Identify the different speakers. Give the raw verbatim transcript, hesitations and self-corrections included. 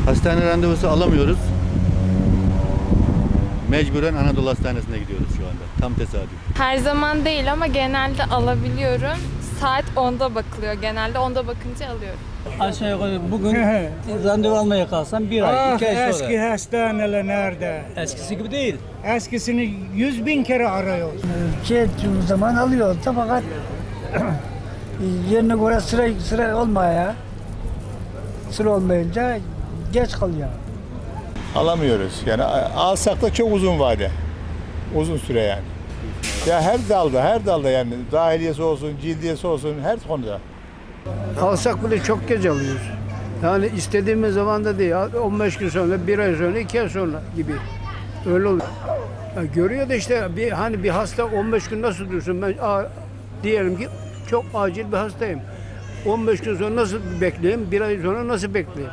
Speaker 1: Hastane randevusu alamıyoruz. Mecburen Anadolu Hastanesi'ne gidiyoruz şu anda. Tam tesadüf.
Speaker 2: Her zaman değil ama genelde alabiliyorum. Saat onda bakılıyor. Genelde onda bakınca alıyorum.
Speaker 3: Aşağı yukarı bugün randevu almaya kalsam bir ay,
Speaker 4: Ah,
Speaker 3: iki ay sonra.
Speaker 4: eski hastaneler nerede?
Speaker 3: Eskisi gibi değil.
Speaker 4: Eskisini yüz bin kere arıyoruz.
Speaker 5: Şey ettiğimiz zaman alıyoruz da fakat yerine göre sıra sıra olmaya sıra olmayınca geç kalıyor.
Speaker 6: Alamıyoruz. Yani alsak da çok uzun vade. Uzun süre yani. Ya her dalda, her dalda yani dahiliyesi olsun, cildiyesi olsun her konuda.
Speaker 7: Alsak bile çok geç alıyoruz. Yani istediğimiz zaman da değil. on beş gün sonra, bir ay sonra, iki ay sonra gibi. Öyle oluyor. Ya görüyor da işte bir, hani bir hasta on beş gün nasıl dursun? Ben a, diyelim ki çok acil bir hastayım. on beş gün sonra nasıl bekleyeyim? Bir ay sonra nasıl bekleyeyim?